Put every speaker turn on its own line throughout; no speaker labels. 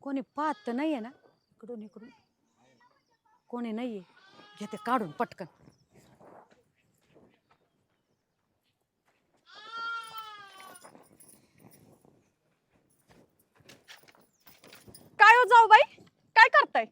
कोणी पाहत तर नाहीये ना इकडून इकडून कोणी नाहीये घेते काढून पटकन
काय हो जाऊ बाई काय करताय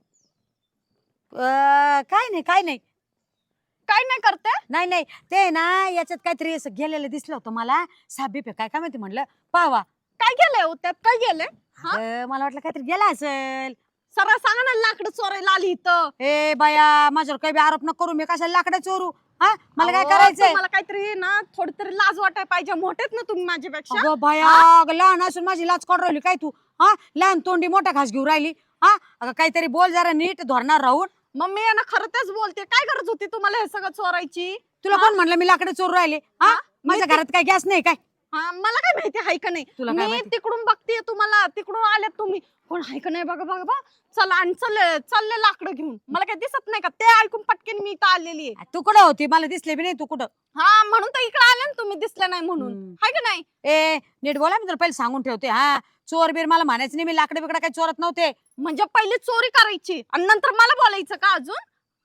काय नाही काय नाही
काय नाही करते
नाही नाही ते ना याच्यात काहीतरी असं गेलेलं दिसलं होतं मला साबी पे काय काय माहिती म्हणलं पावा
काय गेलंय हो त्यात काय गेलंय
मला वाटलं काहीतरी गेला असेल
सरळ सांगा ना लाकडं चोरायला आली इथं
ए बाया माझ्यावर काही बी आरोप न करू मी कशाला लाकडं चोरू हा मला काय करायचंय
मला काहीतरी ना थोडी तरी लाज वाटाय पाहिजे मोठेत ना तुम्ही माझ्यापेक्षा
अगं बाया अगं लहान असून माझी लाच काढून राहिली काय तू हा लहान तोंडी मोठा घास घेऊन राहिली हा अगं काहीतरी बोल जरा नीट धरणार राहून
मग मी ना खरं तेच बोलते काय गरज होती तुम्हाला हे सगळं चोरायची
तुला कोण म्हणलं मी लाकडं चोरू राहिले हा माझ्या घरात काय गॅस नाही काय
मला काय माहिती हाय का नाही
तुला काय
मी
माहिती?
तिकडून बघते तुम्हाला तिकडून आल्यात तुम्ही कोण हाय का नाही बघा बघा बघा चला आणि चालले लाकडं घेऊन मला काय दिसत नाही का ते ऐकून पटकन मी इथं आलेली आहे
तू कुठं होती मला दिसले बी नाही तू कुठं
हा म्हणून तर इकडे आले ना तुम्ही दिसले नाही म्हणून हाय का नाही
ए नीट बोला मी तुला पहिले सांगून ठेवते हा चोर बीर मला म्हणायचं नाही मी लाकडे बिकडे काही चोरत नव्हते
म्हणजे पहिले चोरी करायची आणि नंतर मला बोलायचं का अजून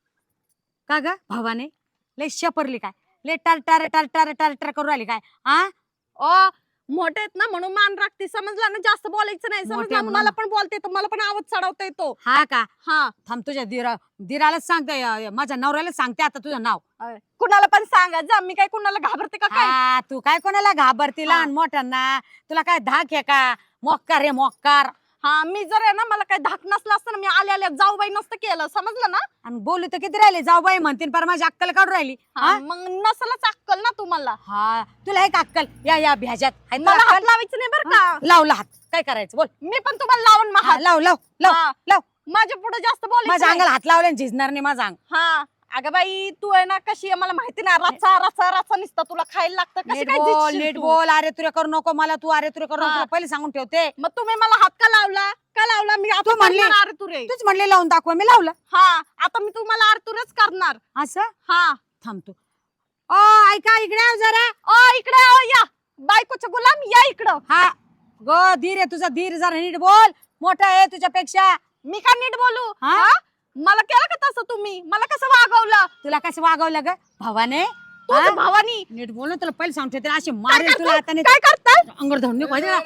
का ग भावाने लय शपरली काय लय टार टार टार टार टार टार करू राहिली काय हा
मोठे आहेत ना म्हणून मान राखते समजलं ना जास्त बोलायचं नाही
मोठे
समजलं मला पण बोलता येतो मला पण आवाज चढवता येतो
हा का
हा
थांब तुझ्या दिरालाच सांगते माझ्या नवऱ्याला सांगते आता तुझं नाव
कुणाला पण सांगा जा मी काय कुणाला घाबरते का काय
हा तू काय कोणाला घाबरती लहान मोठ्यांना तुला काय धाक आहे का मोक्कार रे मोक्कार
हा मी जर आहे ना मला काही धाक नसला असतं ना मी आल्या जाऊ बाई नसतं केलं समजलं ना
आणि बोलू तर किती राहिले जाऊ बाई म्हणतील पर माझी अक्कल काढून राहिली
मग नसलच अक्कल ना तुम्हाला
हा तुला एक अक्कल या भ्याजात आहे तुला
मला हात
अक्कल?
लावायचं नाही बरं का
लावला हात काय करायचं बोल
मी पण तुम्हाला लावून
हा, लाव लाव लाव
हा.
लाव
माझ्या पुढे जास्त बोलायचं
माझ्या
नाही.
अंगाला हात लावल्याने झिजणार नाही माझा अंग
हा अगं बाई तू आहे ना कशी आहे मला माहिती ना रचा रचा रचा निसता तुला खायला लागतं कशी
नीट
काय
बोल
जितशील
नीट
तू?
बोल अरे तुरे करू नको मला तू अरे तुरे करू नको
हा.
तुला पहिले सांगून ठेवते
मग तुम्ही मला हात का लावला मी आता
तू म्हणली.
करणार अरे तुरे
तूच म्हणले लावून दाखवा मी लावलं
हा आता मी तुम्हाला आरतुरच करणार
असं
हा
थांबतो ऐका इकडे आव जरा
इकडे या बायकोचा गुलाम या इकडं
हा गो धीर आहे तुझा धीर जरा नीट बोल मोठा आहे तुझ्यापेक्षा
मी का नीट बोलू
हा?
हा? मला केलं का तसं तुम्ही मला कसं वागवलं
तुला कसं वागवलं ग भावाने
तुझ्या
हा?
भावानी
नीट बोल ना तुला पहिले सांगते त्याला अशी
काय
मारेल तुला
करताय?
आता
काय करताय
अंगर धरून नको ना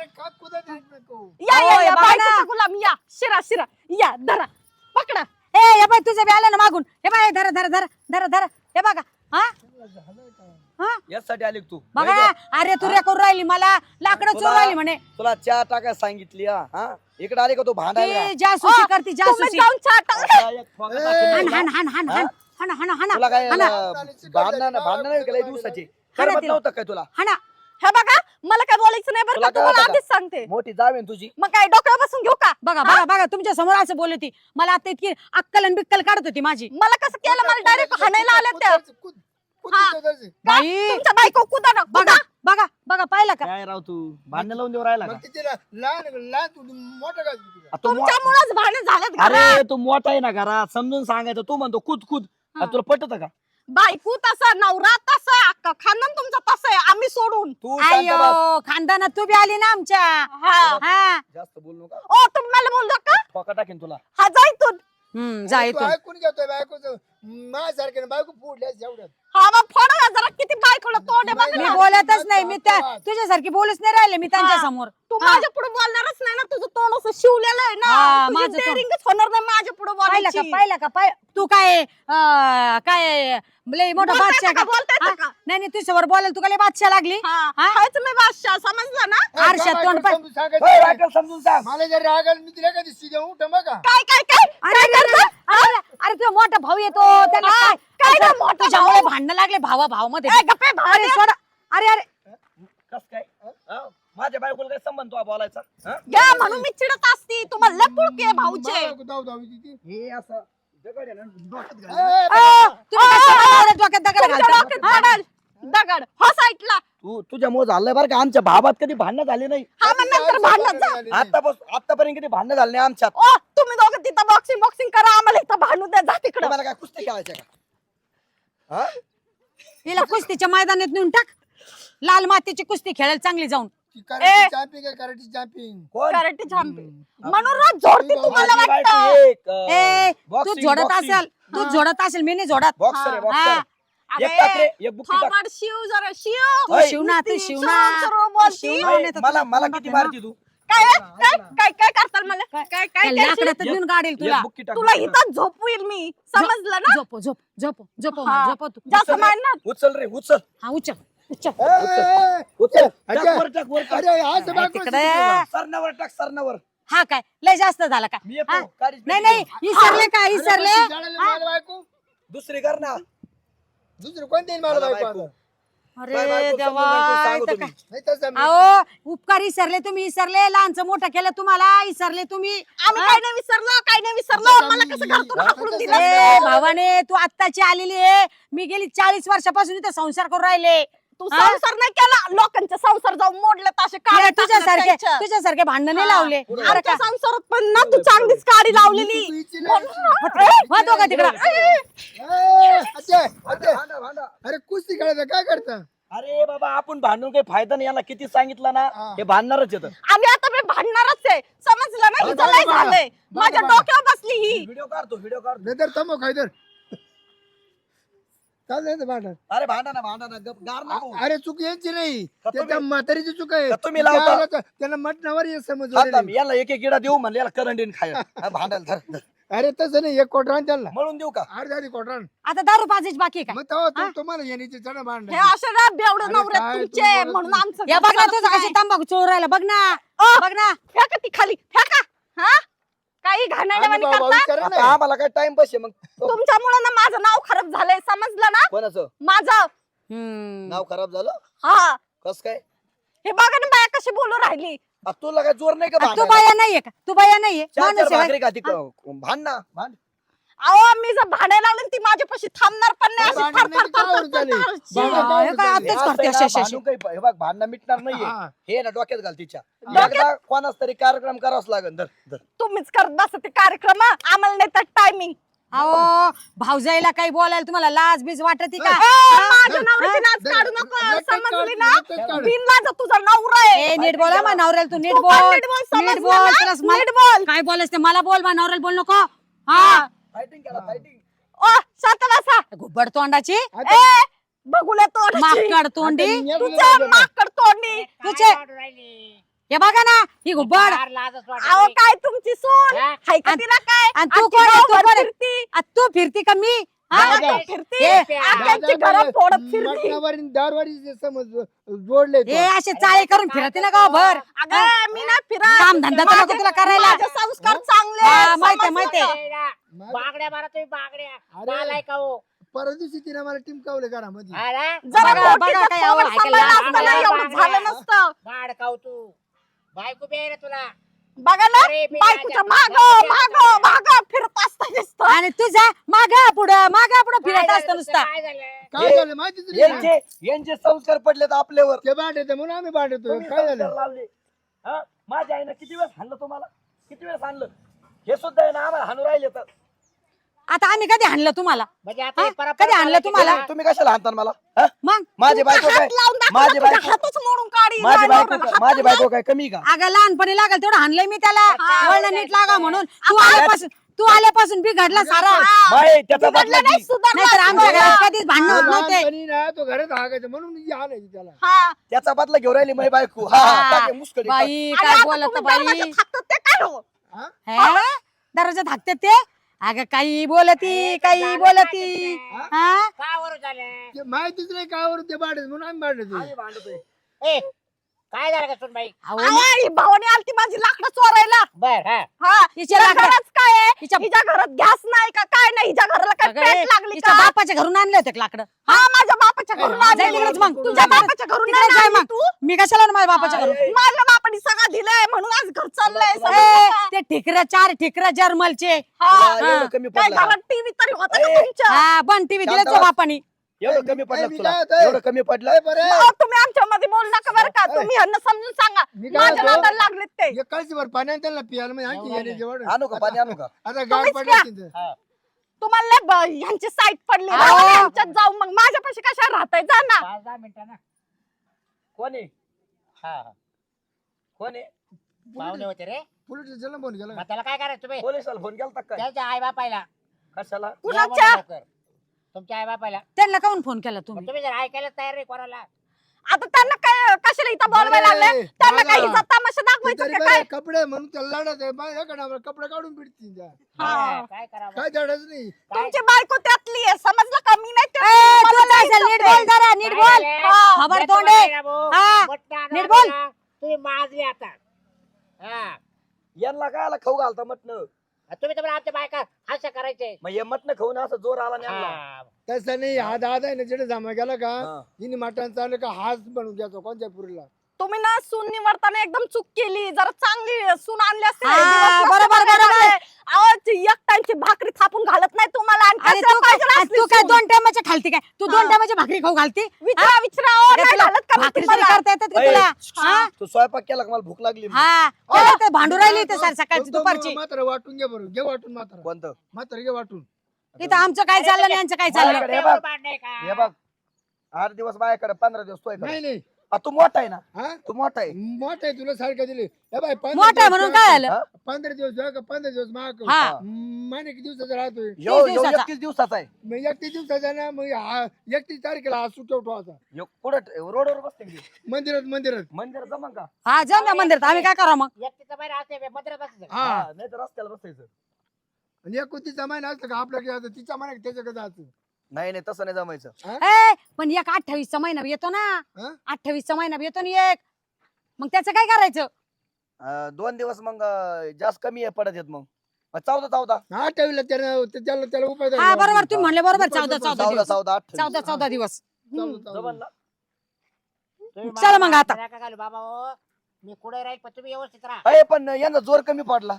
या
ओय, बघा ना.
बायकोचा गुलाम या शिरा या धरा पकडा
ए हे बाय तुझं बी आलं ना मागून हे बाय धरा धरा धरा धरा धरा हे बघा हा हा
यासाठी आली का तू
बघा अरे तू रे करू राहिली मला लाकडं चोरू राहिली म्हणे
तुला चहा टाकायला सांगितली हा इकडे आली का तू भांडायला
ती जासूसी करती
तुम्ही
जासूसी
जाऊन चहा टाका.
आता एक ठोका टाकेल
हान
तुला.
हान हान हान हान हान हान
तुला काय
हाना
भांडणं नाही केलं दिवसाची
हाना
करमत
तिला.
नव्हतं काय तुला
हाना
हे बघा मला काय बोलायचं नाही बरं
तुला
का
काय
तुम्हाला
होतं
आधीच सांगते
मोठी जाव आहे ना तुझी
मग काय डोक्यावर बसून घेऊ का
बघा बघा बघा तुमच्या समोर असं बोलत होती मला आता इतकी अक्कल आणि बिक्कल काढत होती माझी
मला कसं केलं मला डायरेक्ट हाणायला आल्या त्या
बाई
तुमच्या बायको कुदा ना
बघा बघा बघा पाहिलं का
काय राव तू भांडण लावून देऊ राहिला का आ, तू मो-
तुमच्यामुळेच भांडण झालेत घरात.
अरे तू मोठा आहे ना घरात समजून सांगायचं तू म्हणतो कूद कूद आ, तुला पटत का
बायको तसा नवरा तसा अख्खा खानदान तुमचा तसा आहे आम्ही सोडून
तू शांत बस.
अयो खानदानात तू बी आली ना आमच्या
हा
हा
जास्त बोलू नका
ओ तुम्ही मला बोललो का
ठोका टाकेन तुला
हा जायतून
जा इथून
ऐकून घेतोय बायकोचं माझ्यासारख्याने बायको फोडल्यास एवढ्यात
हा मग फोडा जरा किती बायकोला तोंड आहे बघ
मी
ना.
बोलतच नाही मी तुझ्यासारखी बोलूच नाही राहिले मी त्यांच्या
हा.
समोर
तू माझ्या पुढे बोलणारच नाही ना तुझं तोंड असं शिवलेलं आहे
हा,
ना
माझं
तुझी
तोंड.
daringच होणार नाही माझ्या पुढे
पाहिलं का
बोलायची
पाहिलं का तू काय काय लय मोठा
बोलता
बादशाह
येतं का? बोलता येतं
हा?
का?
नाही नाही तुझ्या समोर बोलायला तू काय लय बादशाह लागली
हा
हा?
हायच मी बादशाह समजलं ना
आरशात तोंड पाय
समजून सांगायचं.
होय, बायकोला समजून सांग
मला जर राग आला मी तिला कधी सीधा उठ मग
काय काय काय
अरे अरे अरे, अरे अरे तुझा मोठा भाऊ येतो त्याला
हा,
काय
काय
असं
रे मोठा
तुझ्यामुळे
भाऊ?
भांडणं लागले भावा भाव मध्ये
ए, गप्पे भाऊ
अरे
दे.
सोडा अरे अरे
कस काय हा? माझ्या बायकोला काय संबंध तुला बोलायचा हा?
घ्या म्हणून मी चिडत असती तुम्हाला लय पुळके आहे भाऊचे
धाव धाव तिथे.
हे असं दगड आहे ना डोक्यात घाल.
तुम्ही कसं माझ्या डोक्यात दगड
तुमच्या
घालता?
डोक्यात पडेल दगड हो साईडला
तुझ्यामुळे झालंय बरं का आमच्या भावात कधी भांडणं झाली नाही
हा मग नंतर भांडण जा
आतापर्यंत कधी भांडणं झाले नाही आमच्यात
ओ तुम्ही दोघं तिथं बॉक्सिंग करा आम्हाला इथं भांडू द्या जा तिकडं
तुम्हाला काय कुस्ती खेळायच्या का हा?
हिला कुस्तीच्या मैदानात नेऊन टाक लाल मातीची कुस्ती खेळायला चांगली जाऊन
कराटे जम्पिंग आहे, कराटे जम्पिंग.
कोण
कराटे झांपे म्हणून रोज झोडते तुम्हाला
माझी बायको
वाटतं.
एक,
ए तू
boxing,
झोडत
boxing.
असेल तू झोडत असेल मी नाही झोडत
बॉक्सर आहे
हा.
बॉक्सर.
अरे,
एक टाक रे, एक बुक्की टाक.
थोबाड शिव जरा शिव
तू
ओय.
शिवना तू
नुसती
शिवना
सर्व बोलती.
शिवना
ओय,
नाही तर
मला
तुला
मला
तोंडात
किती
आहे ना.
मारती तू?
काय काय काय काय करताल मला काय काय काय करशील?
लाकडात घेऊन गाडील तुला
एक बुक्की टाक,
तुला
बुक्की टाक.
इथं झोपवील मी समजलं ना
झोप झोप झोप झोप
हा.
झोप तू
जास्त मार ना
उचल रे उचल
हा उच्च उच्च
उचल. टाक
अच्छा.
वर टाक वर टाक.
अरे असं बायको
तिकडे
सरणावर टाक सरणावर.
हा काय लय जास्त झाला का
मी येतो,
हा?
काळीच
नाही
पेटी
नाही इसरले का इसरले
बायको
दुसरी कर ना.
दुसरं कोण देईल मला
मला
बायको
बायको.
आता?
अरे
काय बायको
देवा
समजून सांगतो, सांगू
इथं
तुम्ही.
काय?
नाही तसं मी-
अहो उपकार इसरले तुम्ही इसरले लहानचं मोठं केलं तुम्हाला इसरले तुम्ही
आम्ही काय नाही विसरलो काय नाही विसरलो मला कसं घरातून हाकलून दिलं
ए भावाने तू आत्ताची आलेली आहे मी गेली 40 वर्षापासून इथे संसार करून राहिले
तू
हा?
संसार नाही केला लोकांचे संसार जाऊन मोडले असे काळे
तुझ्यासारखे भांडण नाही लावले अरे
आमच्या
का
संसारात पण ना तू चांगलीच काडी लावलेली
तू इच्छी
म्हणून
नाही.
ना,
होतो का तिकडं
अच्छा, अच्छा.
भांडा, भांडा.
अरे कुस्ती खेळायचं काय करता
अरे बाबा आपण भांडून काही फायदा नाही. याला किती सांगितलं ना
हा.
हे भांडणारच येतं.
आम्ही आता मी भांडणारच आहे समजलं ना हिचं
बघा,
लय
बघा.
झालंय
बघा,
माझ्या
बघा.
डोक्यावर बसली ही
व्हिडिओ काढतो व्हिडिओ काढतो.
नाही तर तमो खायदर चालतंय भांडण.
अरे भांडा ना गप गार नको.
अरे चूक यांची नाही
का
त्या त्या
तुम्ही-
म्हातारीची चूक आहे
का तुम्ही लावता?
त्यांना मटणावर हे समज
थांब, थांब. याला एक एक इडा देऊ म्हणलं याला करंडीन खाय. हा, भांडायला धर, धर.
अरे तसं नाही एक कोटरान त्यांना
मळून देऊ का?
अर्धा आधी कोटरान
आता दारू पाजायची बाकी आहे
मग तेव्हा तुम्हाला येण्याची चढ भांड
हे असे ना बेवडे
अरे
नवरे
काय
तुमचे
तुम्ही बोलत
म्हणून
नाही.
आमचं
का या बघ ना
घर
तुझं
चालत
कशी
नाही.
तंबाखू चोर राहिला बघ ना बघ ना
फेका ती खाली फेका हा काही घाणेरडेवाणी
आणि भाऊ
करता
करा
आता
ना.
आम्हाला काय टाइम बस आहे मग.
तुमच्यामुळे ना माझं नाव खराब झालंय समजलं ना
कोणाचं
माझं
हम्म.
नाव खराब झालं?
हा
कस काय?
हे बघा ना बाया कशी बोलू राहिली
आ, तुला काय जोर नाही का
तू
भांडायला?
बाया नाहीये का तू बाया नाहीये
चार
माणूस
चार
आहे
भाकरी खाती भांड ना भांड.
अहो मी जर भांडायला लागले ना, ती माझ्यापाशी थांबणार पण नाही अशी
भांडण
थर
नाही,
थर थर
कावरून
थर
झाली.
थर थर.
भांडण
हा, हे काय
हे
आत्ताच
असं
करते
आहे ना,
अशी अशी
भांडून काही हे बघ भांडणं मिटणार नाहीये.
हा.
हे ना डोक्यात घाल तिच्या.
डोक्यात?
एकदा कोणाच तरी कार्यक्रम करावाच लागेल. धर, धर.
तुम्हीच करत बसा ते कार्यक्रम आम्हाला नाही तर टायमिंग
अहो भाऊजाईला काही बोलायला तुम्हाला लाज बीज वाटत का
माझ्या नवऱ्याची लाज
धर,
काढू
धर,
नको
धर, धर,
समजली
धर,
ना
धर, धर.
बिनलाज तुझा नवरा आहे
ए नीट बोला मा नवऱ्याला तू नीट
तू पण
बोल
नीट बोल,
नीट
समजलं
बोल
ना?
तुला मला-
नीट बोल.
काय बोलायचं ते मला बोल मा नवऱ्याला बोल नको हा
फायटिंग केला फायटिंग.
ओ शांत बसा
घुबड तोंडाची
आता-
ए बघूले तोंड
माकड तोंडी
आता मी
तुझ्या
बोललो ना.
माकड तोंडी
तुझे हे बघा ना ही घुबड
अहो काय तुमची सून हाय का तिला काय
आणि तू
आजची
कोण आहे? तू
गावभर
कोण आहे?
फिरती.
आ, तू फिरती का मी हा?
हा,
दादा.
तू फिरती
हे,
आख्यांची घरं फोडत फिरती
मटणावर दारवारी समज जोडले
हे असे चाळे करून फिरते ना गावभर
अगं मी ना फिरा
काम धंदा तर नको तुला करायला
माझे संस्कार चांगले
हा,
आहेत,
माहितीये,
समजलं
माहितीये.
का?
बागड्या मारा तुम्ही बागड्या
अरे.
नालाय का हो
परवा दिवशी तिने मला टिमकावले घरामध्ये
अरे
जरा
बघा,
मोठीचं
बघा, काय
तोंड
आवड ऐकायला
सांभाळलं
लागलं.
असतं ना, एवढं
बागड्या,
झालं नसतं
बाड खाऊ तू बायको बी आहे ना तुला
बघा ना
अरे, मी
बायकोच्या
माझ्या-
माग माग माग फिरत असतं नुसतं.
आणि तुझा मागा पुढं फिरत
काय
असतो
झालं
नुसता
काय झालं
काय झालं माहिती तुला
यांचे संस्कार पडलेत आपल्यावर.
ते बांधते म्हणून आम्ही बांधतो
तुम्ही
काय
संस्कार
झालं
लावले. हा? माझ्या आईनं किती वेळेस हाणलं तुम्हाला? किती वेळेस हाणलं? हे सुद्धा आहे ना आम्हाला हाणू राहिले तर.
आता आम्ही कधी आणलं तुम्हाला
म्हणजे आता
हा?
हे परत-
कधी आणलं तुम्हाला?
तुम्ही कशाला हाणता मला? हा?
मग
माझी बायको काय?
हात लावून दाखव ना,
माझी
तुझ्या
बायको
हातच मोडून काढीन.
माझी
माझ्या
बायको
नवऱ्याला
काय-
हात
माझी
लावून
बायको काय कमी का?
अगं लहानपणी लागल तेवढं हाणलंय मी त्याला
हा.
वळण नीट लागा म्हणून तू आल्यापासून बिघडला सारा
हा.
बाई, त्याचा
बिघडलं
बदला
नाही,
घे.
सुधारलं
नाहीतर आमच्या
असतं.
घरात कधीच भांडण होत नव्हते
लहानपणी ना तो घरात हागायचं म्हणून मी आणायची त्याला
हा.
त्याचा बदला घेऊन राहिली माझी बायको. हा, हा,
हा.
टाके मुस्कडी.
बाई
आणि
काय
आता
बोलत
तुम्ही
बाई
दरवाजात हाकतात ते काय हो?
हा?
दरवाजात हाकते ते अगं काही बोलती काही बोलती हा
का वर झालं
ते माहितीच नाही काय वरून ते बांधत म्हणून आम्ही बांधतो
आम्ही भांडतोय.
ए काय झालं का सुन बाई
अहो,
अहो, ही भावानी आलती माझी लाकडं चोरायला
बर हा
हा
हिच्या
हिच्या
लाकडं-
घरात काय आहे
हिच्या-
हिच्या घरात गॅस नाही का काय नाही हिच्या घराला काय
अगं,
पेट लागली
हिच्या
का
बापाच्या घरून आणले होते लाकडं
हा माझ्या बापाच्या घरून
हा,
आणली.
जाय तिकडेच मग.
तुझ्या
तिकडे-
बापाच्या घरून
तिकडे
नाही
जाय
आणली
मग.
तू
मी कशाला आणू माझ्या बापाच्या घरून
माझ्या बापाने सगळं दिलंय म्हणून आज घर चाललंय
ए,
समजलं का?
ते ठिकऱ्या 4 ठिकऱ्या जर्मलचे
हा.
तुला एवढं कमी
काय
पडलं
घरात टीव्ही तरी होता का
ए.
तुमच्या
हा बन टीव्ही दिलं
शांत बस.
बापानी
एवढं कमी
ए,
पडलं
मी
तुला
काय होतंय?
एवढं कमी पडलं
लय बरं आहे.
अहो, तुम्ही आमच्या मध्ये बोलू नका बरं का तुम्ही ह्यांना समजून सांगा
मी काय
माझ्या
म्हणतो?
नादाला लागलेत ते
एक कळशीभर पाणी आणि त्यांना पियाला म्हणजे आणखी येणे जेवढं
आणू का पाणी आणू का?
आता गाड
तुम्हीच
पडले
प्या.
तिथं.
तुम्हाला लय ह्यांची साईट पडली
अहो.
राहू दे ह्यांच्यात जाऊ मग माझ्यापाशी कशा राहताय जा ना
5-10 मिनिटं ना
कोणी?
हा हा
कोण आहे
पाहुणे होते रे
पोलीस स्टेशनला फोन केला
मग त्याला काय करायचं तुम्ही
पोलिसाला फोन केला काय
त्यांच्या आई बापायला
कशाला
कुणाच्या
तुमच्या आई बापायला
त्यांना काऊन फोन केला तुम्ही
तुम्ही जर ऐकायला तयार नाही कोणाला
आता त्यांना काय कशाला इथं बोलवायला लागले त्यांना काही हिचा तमाशा दाखवायचा का काय
कपडे म्हणून त्याला लढत आहे बाय एका डावाला कपडे काढून पिटतील त्या.
हा.
काय करावं
काय दडच नाही
तुमची बायको त्यातली आहे समजलं का मी नाही
ए,
त्यातली.
तू
मला
काय
नाही
नीट
जमतंय.
बोल जरा नीट बोल
हा.
खबर तोंडे हा. नीट बोल.
तुम्ही माजले आता हा
यांना काय आला खाऊ घालता मटण
तुम्ही तर आमच्या बायका हास्य करायचे
मग हे मटण खाऊन असं जोर आला नाही आणला.
हा.
तसं नाही हा दादा आहे ना जेडे जमा गेला का
हा.
हिने मटण चाललं का हाच बनवून घ्यायचो कोणत्या पुरीला
तुम्ही ना सून निवडताना एकदम चूक केली जरा चांगली सून आणली असते
हा,
दिवस मस्त
बरोबर,
बघायला
बरोबर.
लागले. अहो, ती एक टाइमची भाकरी थापून घालत नाही तुम्हाला आणि
अरे
कशाला
तू काय
पाहिजे असली
तू काय
सून?
2 टायमाच्या खालती काय तू 2
हा.
टायमाची भाकरी खाऊ घालती
विचारा विचारा अहो,
अरे
नाही
तुला
घालत का मी
भाकरी तरी
तुम्हाला?
करता येतात का
ए,
तुला हा?
तू स्वयंपाक केला का मला भूक लागली
हा त्याला तर भांडू राहिली ते सर सकाळची दुपारची
मात्र वाटून घे बरं घे वाटून मात्र
कोणतं
मात्र घे वाटून
इथं आमचं काय चाललं नाही यांचं काय चाललं
माझ्याकडे हे
एवढं
बघ.
भांडण आहे का?
हे बघ 8 दिवस माझ्याकडे 15 दिवस तोय
नाही नाही
तू मोठा आहे ना
हा
तू मोठा आहे
मोठ आहे तुला सारखं दिले हे बाय
मोठा आहे म्हणून काय झालं
15 दिवस जाऊ का 15 दिवस माग
हा
महिने किती दिवसाचा राहतोय
यो
दिवसाचा.
21 दिवसाचा आहे
मग 31 दिवसाचा ना मग 31 तारखेला हा सुट्टा उठवायचा
ह्यो कुठं रोडवर बसते की?
मंदिरात
मंदिरात जमन का
हा जाऊन द्या मंदिरात आम्ही काय करा मग
एकटीचं बाहेर असते मंदिरात बसायचं.
हा
नाही तर रस्त्याला बसायचं
आणि एक तिचा महिना असलं का आपल्याकडे तिचा महिना त्याच्याकडे जायचं
नाही नाही तसं नाही जमायचं
ए पण एक 28चा महिना येतो ना
हा?
28चा महिना येतो ना एक मग त्याचं काय करायचं
2 दिवस मग जास्त कमी आहे पडत येत मग 14
हा ठेवलं त्याला उपाय
हा
द्यावा.
बरोबर तुम्ही म्हणले बरोबर 14
14
दिवस
जमन ना
तुम्ही
चला
मला
मग आता.
नका घालू बाबा हो. मी कुठे राहील पण तुम्ही व्यवस्थित राहा
अरे पण यांना जोर कमी पडला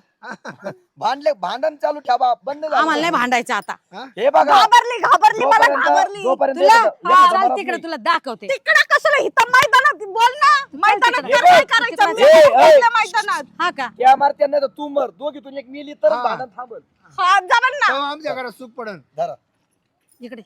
भांडण चालू ठेवा बंद झालं.
आम्हाला नाही भांडायचं आता
हे बघा
घाबरली मला घाबरली
जोपर्यंत
तुला
एखादं-
हा,
एखादं
चल
मरत
तिकडे
नाही.
तुला दाखवते
तिकडे कशाला इथं मैदानात बोल ना मैदानात
तिकडे.
तर काय करायचं मी
ए, ए.
बोलले मैदानात
हा का
त्या मारत्या नाही तर तू मर दोघीतून एक मिली तर
हा.
भांडण थांबल
हा जमन ना
तेव्हा आमच्या घरात सुख पडन
धरा
इकडे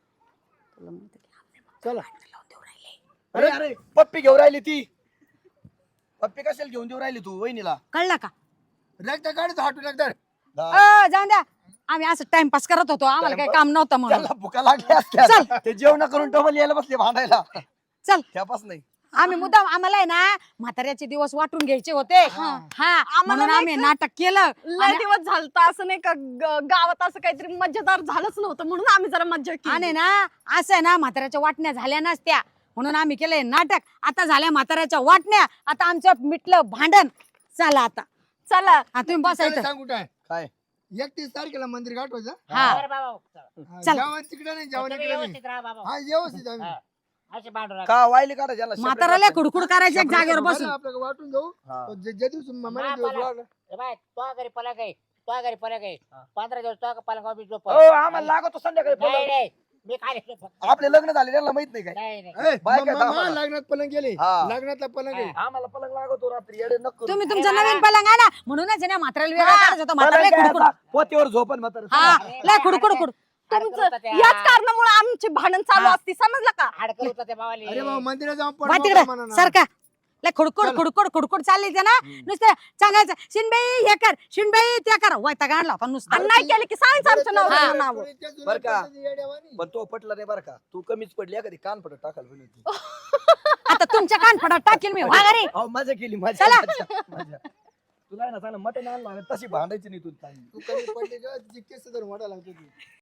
चला
अरे अरे पप्पी घेऊन राहिली ती पप्पी कशाला घेऊन देऊ राहिली तू वहिनीला
कळलं का
रक्त काढत हाटून एकदा
जाऊन द्या आम्ही असं टाइमपास करत होतो आम्हाला काही काम नव्हतं म्हणून
त्यांना भुका लागल्या असत्या ते जेवण करून डबल यायला बसले भांडायला
चल
त्यापास नाही
आम्ही मुद्दाम आम्हाला आहे ना म्हाताऱ्याचे दिवस वाटून घ्यायचे होते हा म्हणून
नाही
आम्ही
का?
नाटक केलं
लय
आणि-
दिवस झालत असं नाही का गावात असं काहीतरी मजेदार झालंच नव्हतं म्हणून आम्ही जरा मज्जा
आणि
केली
ना असं आहे ना म्हाताऱ्याच्या वाटण्या झाल्या नसत्या म्हणून आम्ही केलंय नाटक आता झाल्या म्हाताऱ्याच्या वाटण्या आता आमचं मिटलं भांडण चला आता
चला
हा, तुम्ही बसायचं
सांगू काय
काय
31 तारखेला मंदिर गाठवायचं
हा
बरं बाबा
हा,
चल.
जेवण तिकडे नाही जेवण
तुम्ही
इकडे नाही
व्यवस्थित राहा बाबा
हा व्यवस्थित आम्ही
हा. असे भांडू नका.
का वायली काढा ज्याला
म्हाताऱ्याला खुडखुड करायचं एक जागेवर
बरं,
बसून
आपल्याला वाटून घेऊ
हा.
जे दिवस महिना दिवस
मला-
लागला.
ए बाय तो घरी पलक आहे तो घरी पलक आहे 15 दिवस तो पलंगावर मी झोप
हो आम्हाला लागतो संध्याकाळी
नाही
पलंग.
नाही मी काय झोप
आपले लग्न झाले त्यांना माहित नाही काय
नाही नाही
ए,
बाय काय
म- म-
थांबा.
लग्नात पलंग गेले
हा.
लग्नातला पलंग आहे
आम्हाला पलंग लागतो रात्री येडे नको
तुम्ही तुमचं नवीन पलंग आणा म्हणूनच आहे ना म्हाताऱ्याला वेगळं करायचं होतं म्हाताऱ्याला खुडखुड
पोतीवर झोपन म्हातारं.
हा लय खुडखुड
तुमचं याच कारणामुळे आमची भांडण चालू
हा.
असती समजलं का
हाडकं होतं ते बावाली
अरे बाबा मंदिरात जाऊन
वा
पडलो
तिकडे
म्हणा ना.
सारखा लय खुडकुड चालली ते ना नुसतं सांगायचं शिनबाई हे कर शिनबाई ते कर वैताग आणला होता नुसता
आणि नाही केलं की सांगायचं आमच्या
बरं,
नवऱ्याचं
बरं,
नाव
बरं, इतक्या जुन्या
बरं का?
पद्धती येड्यावानी.
पण तो पटला नाही बरं का तू कमीच पडली कधी कान पडत टाकाल पण होती.
आता तुमच्या कानफडात टाकील मी वा घरी
अहो, मजा केली
चला.
मजा तुला आहे ना चांगलं मटण आणलं आणि तशी भांडायची नाही तू चांगली.
तू कमी पडली का तिची केस धरून वाटायला लागतो ती.